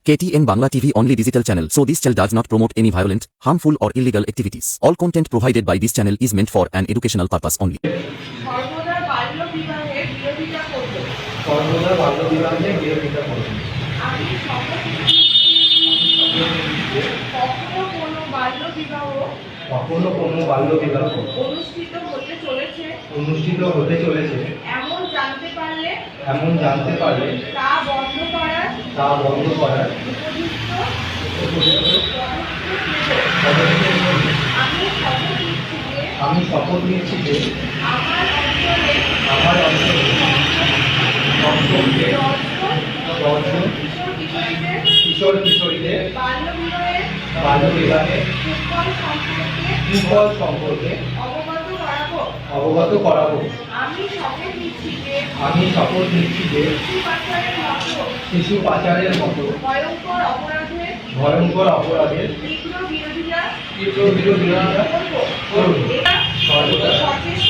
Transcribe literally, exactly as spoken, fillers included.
K T N Bangla T V only digital channel, so this channel does not promote any violent, harmful or illegal activities. All content provided by this channel is meant for an educational purpose only. সর্বদা বাল্য বিবাহের বিরোধিতা করব। সর্বদা বাল্য বিবাহের বিরোধিতা করব। আমি শপথ নিচ্ছি কখনো কোনো বাল্য বিবাহ কখনো কোনো বাল্য বিবাহ অনুষ্ঠিত হতে চলেছে অনুষ্ঠিত হতে চলেছে এমন জানতে পারলে এমন জানতে পারলে তা বন্ধ করার তা বন্ধ করার উপযুক্ত উপযুক্ত পদক্ষেপ নেব। পদক্ষেপ নেব। আমি শপথ নিচ্ছি যে আমি শপথ নিচ্ছি যে আমার অঞ্চলে আমার অঞ্চলে অঞ্চলে দশজন কিশোর কিশোরীদের কিশোর কিশোরীদের বাল্য বিবাহের বাল্য বিবাহের কুফল সম্পর্কে কুফল সম্পর্কে অবগত করাবো। অবগত করাবো। আমি শপথ নিচ্ছি যে আমি শপথ নিচ্ছি যে শিশু পাচারের মতো শিশু পাচারের মতো ভয়ঙ্কর অপরাধের ভয়ঙ্কর অপরাধের তীব্র বিরোধিতা তীব্র বিরোধিতা করব। করব। এটা সর্বদা সচেষ্ট